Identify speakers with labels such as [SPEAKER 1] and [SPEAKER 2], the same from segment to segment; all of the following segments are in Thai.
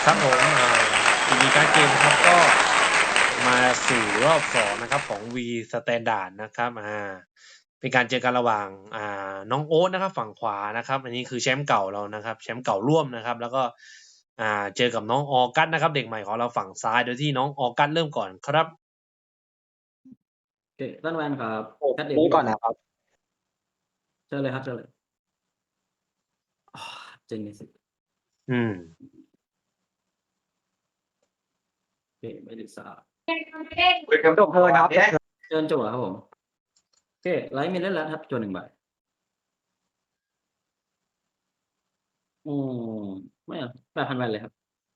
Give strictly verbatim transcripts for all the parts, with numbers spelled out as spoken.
[SPEAKER 1] ครับผมอ่าทีวีการ์ดเกมนะครับก็มาสู่รอบสองนะครับของ V Standard นะครับอ่าเป็นการเจอกันระหว่างอ่าน้องโอ๊ตนะครับฝั่งขวานะครับอันนี้คือแชมป์เก่าเรานะครับแชมป์เก่าร่วมนะครับแล้วก็อ่าเจอกับน้องออกัสนะครับเด็กใหม่ของเราฝั่งซ้ายโดยที่น้องออกัสเริ่มก่อนครับ
[SPEAKER 2] โอเคต้นแวนครับ
[SPEAKER 3] ผม
[SPEAKER 2] แคทเด
[SPEAKER 3] นี่
[SPEAKER 2] วิล
[SPEAKER 3] ก่อนนะครับ
[SPEAKER 2] เชิญเลยครับเชิญเลยอ๋อเจนนิส
[SPEAKER 1] อืม
[SPEAKER 2] โอเคไม่ได้ทราบ
[SPEAKER 3] คุยกับจบเพลินครับ
[SPEAKER 2] เชิญจั่วครับผมโอเคไลท์มิลเลอร์แล้วครับจั่วหนึ่งใบอืมไม่เอาแปดพันแวนเลยครับ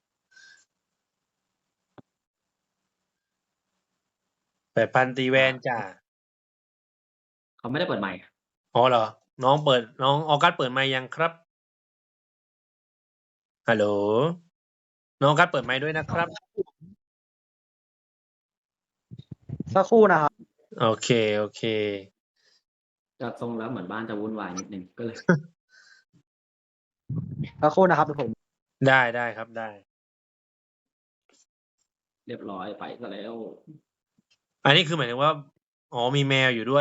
[SPEAKER 1] แปดพันตีแว
[SPEAKER 2] อ่า
[SPEAKER 1] นจ้า
[SPEAKER 2] เขาไม่ได้เปิดใหม่
[SPEAKER 1] อ๋อเหรอน้องเปิดน้องออกัสเปิดไมค์ยังครับฮัลโหลน้องออกัสเปิดไมค์ด้วยนะครับ
[SPEAKER 3] สักครู่นะครับ
[SPEAKER 1] โอเคโอเค
[SPEAKER 2] จากทรงแล้วเหมือนบ้านจะวุ่นวายนิดนึงก็เลย
[SPEAKER 3] สักครู่นะครับเดี๋ยวผม
[SPEAKER 1] ได้ได้ครับได้
[SPEAKER 2] เรียบร้อยไปซะแล้ว
[SPEAKER 1] อันนี้คือหมายถึงว่า อ๋อมีแมวอยู่ด้วย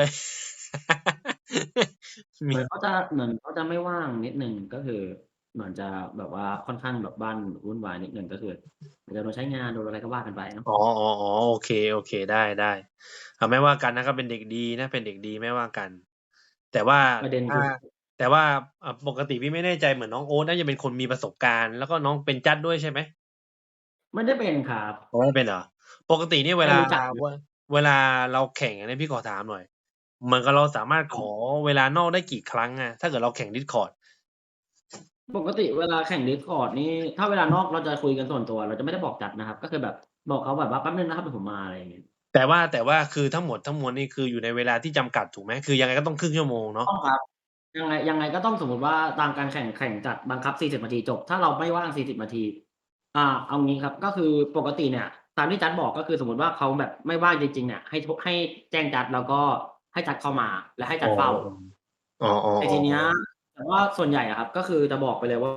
[SPEAKER 2] เห
[SPEAKER 1] มี
[SPEAKER 2] มือนเขาจะเหมือนเขาจะไม่ว่างนิดนึงก็คือเหมือนจะแบบว่าค่อนข้างแบบบ้านวุ่นวายนิดนึงก็คืออาจจะโดนใช้งานโดนอะไรก็ว่ากันไปเนาะ
[SPEAKER 1] อ๋ออ๋ออ๋อโอเคโอเคได้ได้เอาไม่ว่ากันนะครับเป็นเด็กดีนะเป็นเด็กดีไม่ว่ากัน แต่ว่า
[SPEAKER 2] ประเด็น
[SPEAKER 1] ถ้า
[SPEAKER 2] คือ
[SPEAKER 1] แต่ว่าอ่าปกติพี่ไม่แน่ใจเหมือนน้องโอ๊ตน่าจะเป็นคนมีประสบการณ์แล้วก็น้องเป็นจัดด้วยใช่ไหม
[SPEAKER 2] ไม่ได้เป็นครับ
[SPEAKER 1] อ๋อไม่เป็นเหรอปกติเนี่ยเวลา
[SPEAKER 2] แค่รู้จัก
[SPEAKER 1] เวเวลาเราแข่งอันนี้พี่ขอถามหน่อยเหมือนกับเราสามารถขอเวลานอกได้กี่ครั้งอะถ้าเกิดเราแข่ง Discord
[SPEAKER 2] ปกติเวลาแข่ง Discord นี่ถ้าเวลานอกเราจะคุยกันส่วนตัวเราจะไม่ได้บอกจัดนะครับก็คือแบบบอกเขาแบบว่าแป๊บนึงนะครับเดี๋ยวผมมาอะไรอย่างเงี้ย
[SPEAKER 1] แต่ว่าแต่ว่าคือทั้งหมดทั้งมวลนี่คืออยู่ในเวลาที่จำกัดถูกไหมคือยังไงก็ต้องครึ่งชั่วโมงเนาะ
[SPEAKER 2] ต้องครับยังไงยังไงก็ต้องสมมุติว่าตามการแข่งแข่งจัดบังคับสี่สิบนาทีจบถ้าเราไม่ว่างสี่สิบนาทีอ่าเอางี้ครับก็คือปกติเนี่ยตามที่จัดบอกก็คือสมมุติว่าเขาแบบไม่ว่างจริงๆเนี่ยให้โทให้แจ้งจัดแล้วก็ให้จัดเข้ามาและให้
[SPEAKER 1] อ๋อ
[SPEAKER 2] จัดเฝ้า
[SPEAKER 1] อ๋ออ๋อ
[SPEAKER 2] แต่ทีเนี้ยแต่ว่าส่วนใหญ่อะครับก็คือจะบอกไปเลยว่า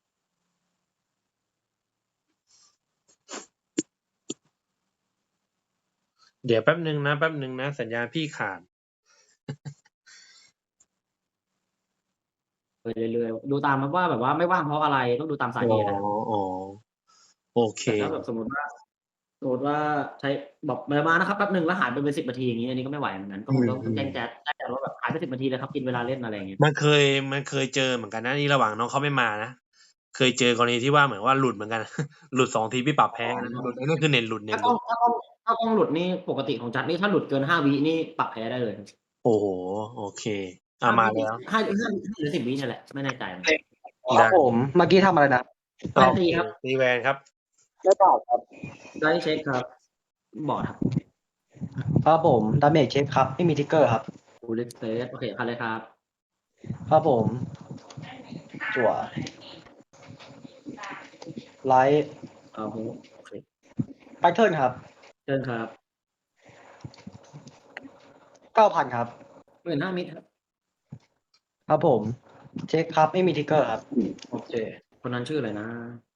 [SPEAKER 1] เดี๋ยวแป๊บหนึ่งนะแป๊บหนึ่งนะสัญญาณพี่ขาด
[SPEAKER 2] ไปเรื่อยๆดูตามครับว่าแบบว่าไม่ว่างเพราะอะไรต้องดูตามสา
[SPEAKER 1] อ๋อ
[SPEAKER 2] เหตุอะครับ
[SPEAKER 1] อ๋อโอเค
[SPEAKER 2] แต่ถ้าแบบสมมุติว่าสมมุติว่าใช้บอกมามานะครับแป๊บหนึ่งแล้วหายไปเป็นสิบนาทีอย่างงี้อันนี้ก็ไม่ไหวเหมือนกันก็
[SPEAKER 1] อื
[SPEAKER 2] คงต้องต้องแจ้ง
[SPEAKER 1] ม
[SPEAKER 2] แจ๊ดแจ้งจัดว่าแบบหายไปสิบนาทีเลยครับกินเวลาเล่นอะไรอย่างงี้
[SPEAKER 1] ๆมันเคยมันเคยเจอเหมือนกันนะนี่ระหว่างน้องเขาไม่มานะเคยเจอกรณีที่ว่าเหมือนว่าหลุดเหมือนกัน หลุดสองทีพี่ปรับ
[SPEAKER 2] อ๋
[SPEAKER 1] แพ้นะหลุด
[SPEAKER 2] อ
[SPEAKER 1] ไอ้นั่นคือเน็ตหลุดเน็
[SPEAKER 2] ถ้า
[SPEAKER 1] ตหลุด
[SPEAKER 2] กล้องถ้ากล้องถ้ากล้องหลุดนี่ปกติของจัดนี่ถ้าหลุดเกินห้าวินี่ปรับแพ้ได้เลยครับ
[SPEAKER 1] โอ้โฮโอเคอา
[SPEAKER 2] ห้าวินี่
[SPEAKER 1] มาแล้ว
[SPEAKER 2] ห้าห้าหรือสิบวิเนี่ยแหละไม่แน่ใจเหมือนกัน
[SPEAKER 3] ครับ
[SPEAKER 1] ได้
[SPEAKER 3] ผมเมื่อกี้ทำอะไรนะ
[SPEAKER 2] แวน
[SPEAKER 1] โอเค
[SPEAKER 2] ตีครับ
[SPEAKER 1] ตีแวนครับ
[SPEAKER 3] ไม่เปล่าครับ
[SPEAKER 2] ไดเช็คครับบอร์ดครับ
[SPEAKER 3] ครับผมดาเมจเช็คครับไม่มีทิกเกอร์ครับ
[SPEAKER 2] Full Space โอเคผ่านเลยครับ
[SPEAKER 3] ครับผมจั่วไลท์
[SPEAKER 2] เอาฮูโอเค
[SPEAKER 3] แพทเทิร์นครับ
[SPEAKER 2] เชิญครับ
[SPEAKER 3] เก้าพันครับ
[SPEAKER 2] หมื่นห้ามิตรครับ
[SPEAKER 3] ครับผมเช็คครับไม่มีทิกเกอร์ครับ
[SPEAKER 2] โอเคคนนั้นชื่ออะไรนะ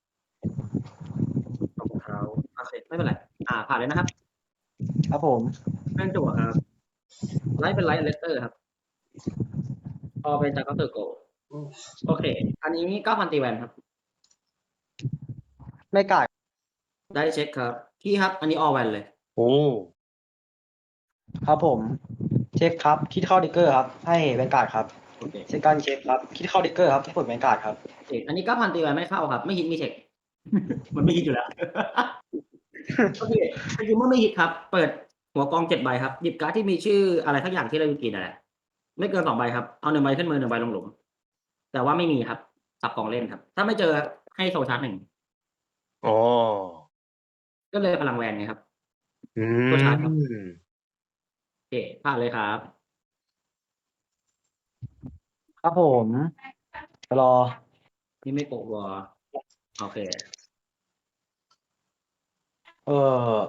[SPEAKER 2] รองเท้าโอเคไม่เป็นไรอ่าผ่านเลยนะครับ
[SPEAKER 3] ครับผม
[SPEAKER 2] แม่นจั่วครับไลท์เป็นไลท์เลสเตอร์ครับพอเป็นจากก็เตอร์โกโอเค อันนี้เก้าพันตีแวนครับ
[SPEAKER 3] ไม่กล้า
[SPEAKER 2] ได้เช็คครับพี่ครับ อันนี้ออแวนเลย
[SPEAKER 1] โอ้
[SPEAKER 3] ครับผมเช็คครับคิดเข้าทิกเกอร์ครับให้แวนการ์ดครับ
[SPEAKER 2] โอเค
[SPEAKER 3] เซคันด์เช็คครับคิดเข้าทิกเกอร์ครับให้ผลแวนการ์ดครับ
[SPEAKER 2] เอกอันนี้เก้าพันตีแวนไม่เข้าครับ ไม่ฮิตมีเช็ค มันไม่ฮิตอยู่แล้ว โอเคจริงๆเมื่อไม่ฮิตครับ เปิดหัวกองเจ็ดใบครับ หยิบการ์ดที่มีชื่ออะไรสักอย่างที่เราอยู่กินนั่นแหละไม่เกินสองใบครับ เอาหนึ่งใบขึ้นมือหนึ่งใบลงหลุม แต่ว่าไม่มีครับ สับกองเล่นครับ ถ้าไม่เจอให้โซลชาร์จหนึ่ง
[SPEAKER 1] อ๋อ
[SPEAKER 2] ก็เลยพลังแวนไงครับ
[SPEAKER 1] อื
[SPEAKER 2] โซลชาร์จครับ
[SPEAKER 1] ม
[SPEAKER 2] โอเคผ่านเลยครับ
[SPEAKER 3] ครับผมรอ
[SPEAKER 2] นี่ไม่โกะวอโอเค
[SPEAKER 3] เออ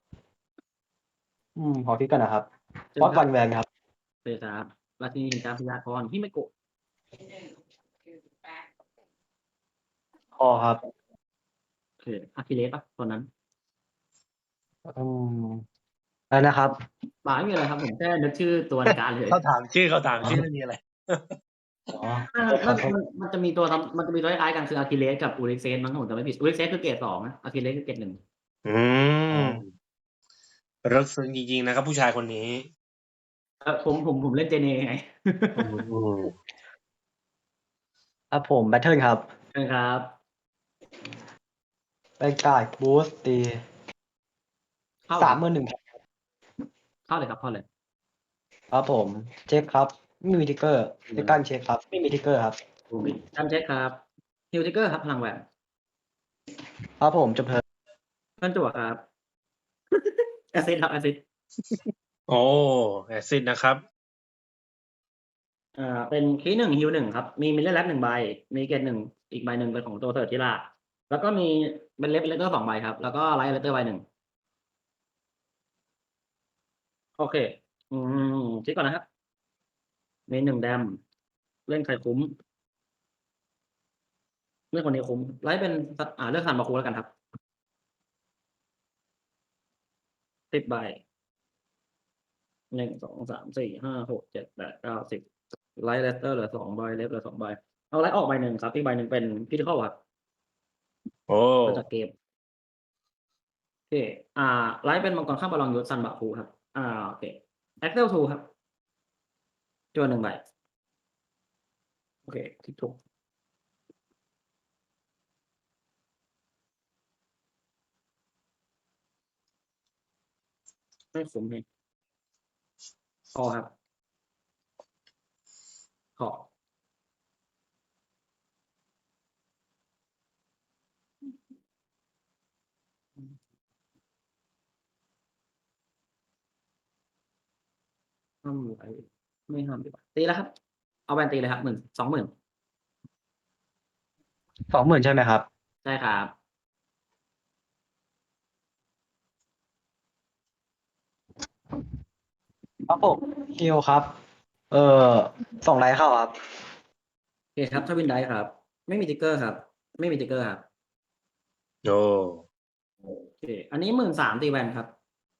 [SPEAKER 3] อืมขอคิดกันนะครับ
[SPEAKER 2] เชิ
[SPEAKER 3] ฟอส
[SPEAKER 2] ญครับ
[SPEAKER 3] วันแวนครับ
[SPEAKER 2] เชิญครับราชินีแห่งการพยากรณ์ฮิเมโกะ
[SPEAKER 3] คอครับ
[SPEAKER 2] เคอะคิเลสเปล่าตัวนั้น?
[SPEAKER 3] อืม อะไรนะครับ?
[SPEAKER 2] เปล่า ไม่มีอะไรครับ ผมแค่นึกชื่อตัวในการ์ดเฉย
[SPEAKER 1] เขาถามชื่อ เขาถาม
[SPEAKER 3] อ๋อ
[SPEAKER 1] ชื่อ ไม่มีอะไร
[SPEAKER 3] อ๋อ
[SPEAKER 2] อา
[SPEAKER 3] ขอโทษ
[SPEAKER 2] มัน มันจะมีตัวทำ มันจะมีตัวคล้าย ๆ กัน คือ Achilles กับ Ulysses มั้ง ถ้าผมจำไม่ผิด Ulysses คือ เกรด สอง นะ Achilles คือ เกรด หนึ่ง
[SPEAKER 1] อืม
[SPEAKER 3] อ๋อ
[SPEAKER 1] ลึกซึ้งจริง ๆ นะครับ ผู้ชายคนนี้
[SPEAKER 2] เออ ผม ผม ผมเล่น J-N ไง
[SPEAKER 1] อืม
[SPEAKER 3] ครับผม แบตเทิลครับ
[SPEAKER 2] เชิญครับ
[SPEAKER 3] แวนการ์ด บูสต์ ตี
[SPEAKER 2] เข้า
[SPEAKER 3] สา
[SPEAKER 2] คร
[SPEAKER 3] มั
[SPEAKER 2] บ
[SPEAKER 3] หมื่นหนึ่งพัน ครับ
[SPEAKER 2] เข้าเลยครับ เข้าเลย
[SPEAKER 3] ครับผม เช็คครับ ไม่มีทิกเกอร์
[SPEAKER 2] อืม
[SPEAKER 3] Second เช็คครับ ไม่มีทิกเกอร์ครับ
[SPEAKER 2] การเช็คครับ Hill Trigger ครับ พลังแหวน
[SPEAKER 3] ครับผม จบ เทิร์น
[SPEAKER 2] เทิร์นจั่วครับ แอสซิสต์ครับ แอสซิสต์
[SPEAKER 1] โอ้ แอสซิสต์นะครับ
[SPEAKER 2] อ่า เป็นคีย์ หนึ่ง Heal หนึ่ง ครับ มี Mirror Lab หนึ่ง ใบ มีเกรด หนึ่ง อีกใบหนึ่งเป็นของตัว Third แล้วก็มีเป็น Red Letter สอง ใบครับ แล้วก็ Light Letter ใบหนึ่ง โอเค อืม เช็กก่อนนะครับ มี หนึ่ง Dam เล่นใครคุ้ม เลือกคนนี้คุ้ม Light เป็น ส อ่า เลือก Zanbaku แล้วกันครับ สิบ ใบ หนึ่ง สอง สาม สี่ ห้า หก เจ็ด แปด เก้า สิบ Light Letter เหลือ สอง ใบ Left เหลือ สอง ใบ เอา Light ออกใบหนึ่งครับ อีกใบหนึ่งเป็น Critical ครับ
[SPEAKER 1] โอ้
[SPEAKER 2] มาจากเกม โอเค อ่า Light เป็นมังกรข้ามบาลองยุทธ Zanbaku ครับ อ่า โอเค Accel ทู ครับ จั่ว หนึ่ง ใบ โอเค ทิกถูก ไม่คุ้มนี่ คอครับ คอ อืม ห้าม Light ไม่ห้ามดีกว่า ตีแล้วครับ เอาแวนตีเลยครับ หนึ่ง สองหมื่น
[SPEAKER 3] สองหมื่น ใช่ไหมครับ?
[SPEAKER 2] ใช่ครับ
[SPEAKER 3] ครับผม Heal ครับ เอ่อ ส่ง Light เข้าครับ
[SPEAKER 2] โอเคครับ Twin Dice ครับ ไม่มีทิกเกอร์ครับ ไม่มีทิกเกอร์ครับ
[SPEAKER 1] โอ้
[SPEAKER 2] โอเค อันนี้ หนึ่งหมื่นสามพัน ตีแวนครับ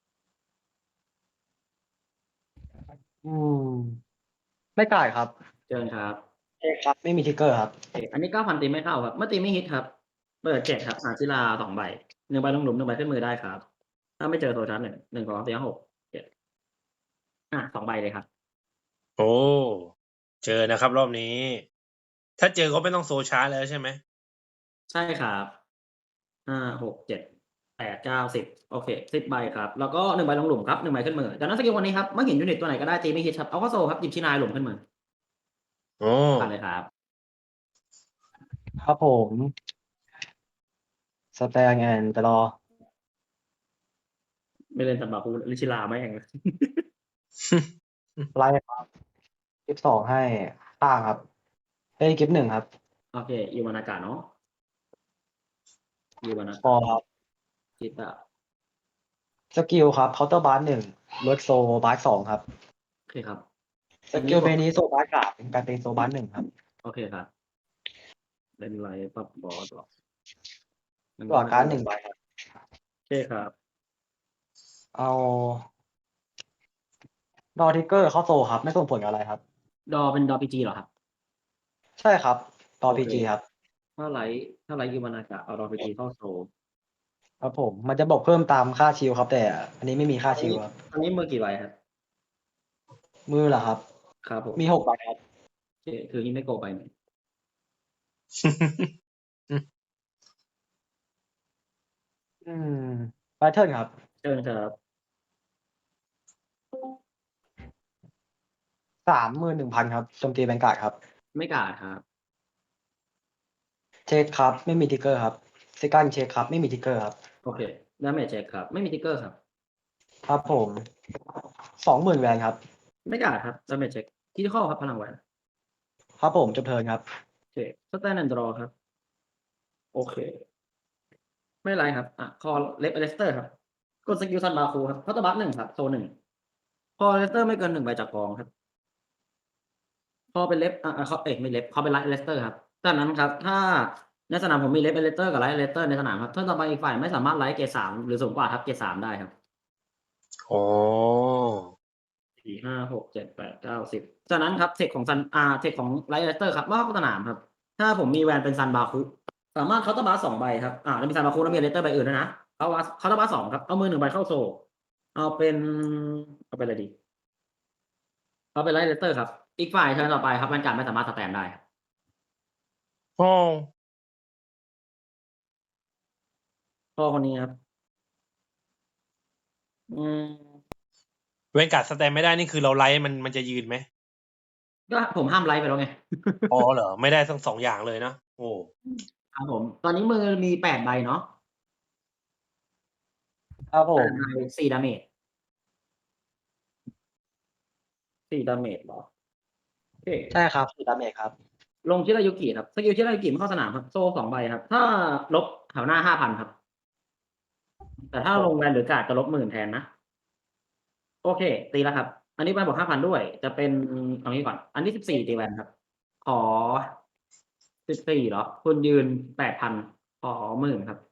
[SPEAKER 3] อืม ไม่จ่ายครับ
[SPEAKER 2] เชิญครับ
[SPEAKER 3] เช็คครับ ไม่มีทิกเกอร์ครับ
[SPEAKER 2] โอเค อันนี้ เก้าพัน ตีไม่เข้าครับ เมื่อตีไม่ฮิตครับ เปิด เจ็ด ครับ หาศิลา สอง ใบ หนึ่ง ใบลงหลุม หนึ่ง ใบขึ้นมือได้ครับ ถ้าไม่เจอโซชาร์จ หนึ่ง หนึ่ง สอง สาม สี่ ห้า หก เจ็ด อา สอง ใบเลยครับ
[SPEAKER 1] โอ้ เจอนะครับรอบนี้ ถ้าเจอก็ไม่ต้องโซชาร์จแล้วใช่ไหม?
[SPEAKER 2] ใช่ครับ ห้า หก เจ็ด แปด เก้า สิบ โอเค สิบ ใบครับ แล้วก็ หนึ่ง ใบลงหลุมครับ หนึ่ง ใบขึ้นมือ จากนั้นสกิลคนนี้ครับ เมื่อเห็นยูนิตตัวไหนก็ได้ตีไม่ฮิตครับ เอาเข้าโซลครับ หยิบชินายหลุมขึ้นมือ
[SPEAKER 1] โอ้
[SPEAKER 2] ผ่านเลยครับ
[SPEAKER 3] ครับผม Stand and draw
[SPEAKER 2] ไม่เล่น Zanbaku เล่นชิราแม่ง
[SPEAKER 3] ไล่ครับ กิฟต์ สอง ให้ข้างครับ เฮ้ย กิฟต์ หนึ่ง ครับ
[SPEAKER 2] โอเค Iwanaka เนาะ
[SPEAKER 3] ค
[SPEAKER 2] Iwanaka
[SPEAKER 3] อครับ
[SPEAKER 2] คิดอะ
[SPEAKER 3] สกิลครับ Counter Blast หนึ่ง ลด Soul Blast สอง ครับ
[SPEAKER 2] โอเคครับ
[SPEAKER 3] สกิลเบนี้ Soul Blast สาม กลายเป็น Soul Blast หนึ่ง ครับ
[SPEAKER 2] โอเคครับ เล่นไรปรับบอสเหรอ?
[SPEAKER 3] จั่วการ์ด หนึ่ง ใบครับ
[SPEAKER 2] โอเคครับ
[SPEAKER 3] เอา Draw Trigger เข้าโซลครับ ไม่ส่งผลอะไรครับ
[SPEAKER 2] Draw เป็น Draw พี จี เหรอครับ?
[SPEAKER 3] ใช่ครับ Draw
[SPEAKER 2] โอ
[SPEAKER 3] พี
[SPEAKER 2] เค
[SPEAKER 3] จี ครับ
[SPEAKER 2] ถ้าไลท์ ถ้าไลท์ Iwanaka เอา Draw พี จี เข้าโซล
[SPEAKER 3] ครับผม มันจะบอกเพิ่มตามค่าชิลครับ แต่อันนี้ไม่มีค่า
[SPEAKER 2] อัน
[SPEAKER 3] ชิ
[SPEAKER 2] นี้
[SPEAKER 3] ล ครับ
[SPEAKER 2] อันนี้มือกี่ใบครับ?
[SPEAKER 3] มือเหรอครับ?
[SPEAKER 2] ครับผม
[SPEAKER 3] มี หก ใบครับ
[SPEAKER 2] โอเค คือ Himeko ใบหนึ่ง
[SPEAKER 3] อืม แบตเทิลครับ
[SPEAKER 2] เชิญครับ
[SPEAKER 3] สามหมื่นหนึ่งพัน ครับ โจมตี Vanguard ครับ
[SPEAKER 2] ไม่การ์ดครับ
[SPEAKER 3] เช็คครับ ไม่มีทิกเกอร์ครับ Second เช็คครับ ไม่มีทิกเกอร์ครับ
[SPEAKER 2] โอเค Damage เช็กครับ ไม่มีทิกเกอร์ครับ
[SPEAKER 3] ครับผม สองหมื่น แวนครับ
[SPEAKER 2] ไม่การ์ดครับ Damage เช็ก Critical ครับ พลังแหวน
[SPEAKER 3] ครับผม จบเทิร์นครับ
[SPEAKER 2] โอเค Stand and draw ครับ โอเค ไม่เป็นไรครับ อะ คอ Left Aleister ครับ กดสกิล Zanbaku ครับ Counter Blast หนึ่ง ครับ โซล หนึ่ง คอ Aleister ไม่เกิน หนึ่ง ใบจากกองครับ คอเป็น Left อ่า ๆ คอ เอ๊ย ไม่ Left คอเป็น Right Aleister ครับ จากนั้นครับ ถ้าในสนามผมมีเลสเลสเตอร์กับไลท์เลสเตอร์ในสนามครับเทิร์นต่อไปอีกฝ่ายไม่สามารถไลท์เกรดสามหรือสูงกว่าทับเกรดสามได้ครับ
[SPEAKER 1] อ๋อ
[SPEAKER 2] สี่ห้าหกเจ็ดแปดเก้าสิบจากนั้นครับเทคของซันอาเทคของไลท์เลสเตอร์ครับเมื่อเข้าสนามครับ ถ้าผมมีแวนเป็นซันบาคุสามารถเคาน์เตอร์บาร์สองใบครับอ่าแล้วมีซันบาคุแล้วมีเลสเตอร์ใบอื่นด้วยนะเอาเคาน์เตอร์บาร์สองครับเอามือหนึ่งใบเข้าโซเอาเป็นเอาเป็นอะไรดีเอาเป็นไลท์เลสเตอร์ครับอีกฝ่ายเทิร์นต่อไปครับแวนการ์ดไม่สามารถสแตนได้ครับ
[SPEAKER 1] อ๋อ
[SPEAKER 2] พ่อคนนี้ครับอืม
[SPEAKER 1] เวนการ์ดสแตนไม่ได้นี่คือเราไลท์มันมันจะยืนไหม
[SPEAKER 2] ก็ผมห้ามไลท์ไปแล้วไง
[SPEAKER 1] อ๋อเหรอ ไม่ได้ทั้งสองอย่างเลยนะโอ้
[SPEAKER 2] ครับผม ตอนนี้มือมีแปดใบเนาะ
[SPEAKER 3] ครับผ
[SPEAKER 2] แป
[SPEAKER 3] ม
[SPEAKER 2] ดใบสี่ดาเมจสี่ดาเมจเหรอโอเค
[SPEAKER 3] ใช่ครับคือดาเมจครับ
[SPEAKER 2] ลงชิรายุกิครับสกิลชิรายุกิไม่เข้าสนามครับโซ่สองใบครับ ถ้าลบแถวหน้าห้าพันครับ แต่ถ้าลงแวนหรือการ์ดจะลบหมื่นแทนนะ โอเค ตีแล้วครับ อันนี้แวนบอกห้าพันด้วย จะเป็นเอางี้ก่อน อันนี้สิบสี่ตีแวนครับ ขอสิบสี่เหรอ คุณยืนแปดพันขอหมื่นครับ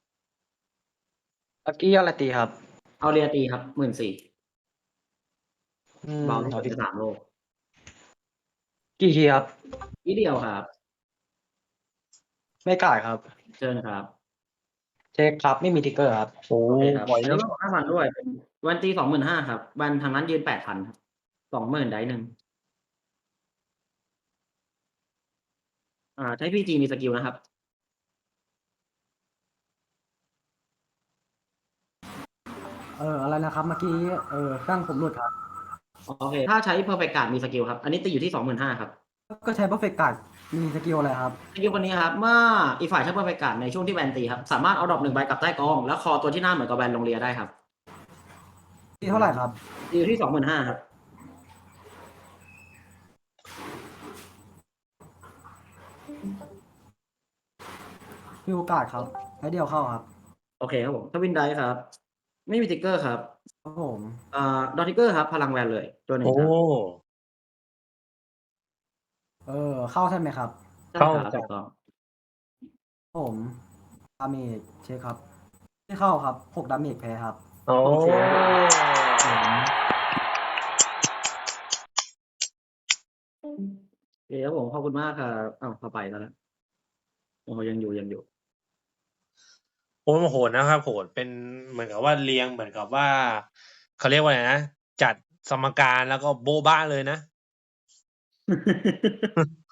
[SPEAKER 3] เมื่อกี้อะไรตีครับ
[SPEAKER 2] เอาเรียตีครับหมื่นสี่
[SPEAKER 3] อืม
[SPEAKER 2] เบาที่
[SPEAKER 3] เอา
[SPEAKER 2] สุด
[SPEAKER 3] ที่
[SPEAKER 2] ในสามโลก
[SPEAKER 3] กี่ทีครับ
[SPEAKER 2] อีเดียวครับ
[SPEAKER 3] ไม่กล้าครับ
[SPEAKER 2] เชิญครับ
[SPEAKER 3] เช็คครับไม่มีทิกเกอร์ครับ
[SPEAKER 1] โอ้
[SPEAKER 2] โอเคครับ
[SPEAKER 1] ปล่อย
[SPEAKER 2] อันนี้
[SPEAKER 1] นะ
[SPEAKER 2] บอกห้าพันด้วยเป็นวันตีสองหมื่นห้าครับวันทางนั้นยืนแปดพันครับสองหมื่นได้หนึ่งอ่าใช้พีจีมีสกิลนะครับ
[SPEAKER 4] เอออะไรนะครับเมื่อกี้เออตั้งผมหลุดครับ
[SPEAKER 2] โอเค ถ้าใช้ perfect card มีสกิลครับ อันนี้ตีอยู่ที่สองหมื่นห้าครับ
[SPEAKER 4] ก็ใช้ perfect card มีสกิลอะไรครับ
[SPEAKER 2] สกิลคนนี้ครับ เมื่ออีกฝ่ายใช้ perfect card ในช่วงที่แวนตีครับ สามารถเอาดรอปหนึ่งใบกลับใต้กอง แล้วคอตัวที่หน้าเหมือนกับแวนลงเรียได้ครับ
[SPEAKER 4] ที่เท่าไหร่ครับ
[SPEAKER 2] ตีอยู่ที่สองหมื่นห้าครับ
[SPEAKER 4] มีโอกาสครับใช้เดียวเข้าครับ
[SPEAKER 2] โอเคครับผมทวินได้ครับ ไม่มีติ๊กเกอร์ครับ
[SPEAKER 4] ครับผม
[SPEAKER 2] อ่าดอทิกเกอร์ครับ พลังแวนเลยตัวหนึ่ง
[SPEAKER 1] โอ้
[SPEAKER 2] ครับ
[SPEAKER 4] เออเข้าใช่ไหมครับ
[SPEAKER 2] ใช่
[SPEAKER 1] เข้า
[SPEAKER 2] ครับถูกต้อง
[SPEAKER 4] ผมดาเมจเช็คครับไม่เข้าครับหกดาเมจแพ้ครับ
[SPEAKER 1] โอ้
[SPEAKER 2] โอเค
[SPEAKER 4] ผม
[SPEAKER 2] โอเคครับผมขอบคุณมากครับอ้าวเข้าไปแล้วนะโอ้โหยังอยู่ยังอยู่
[SPEAKER 1] โอ้โหดนะครับโหดเป็นเหมือนกับว่าเรียงเหมือนกับว่าเขาเรียกว่าไงนะจัดสมการแล้วก็โบ๊ะบ้าเลยนะ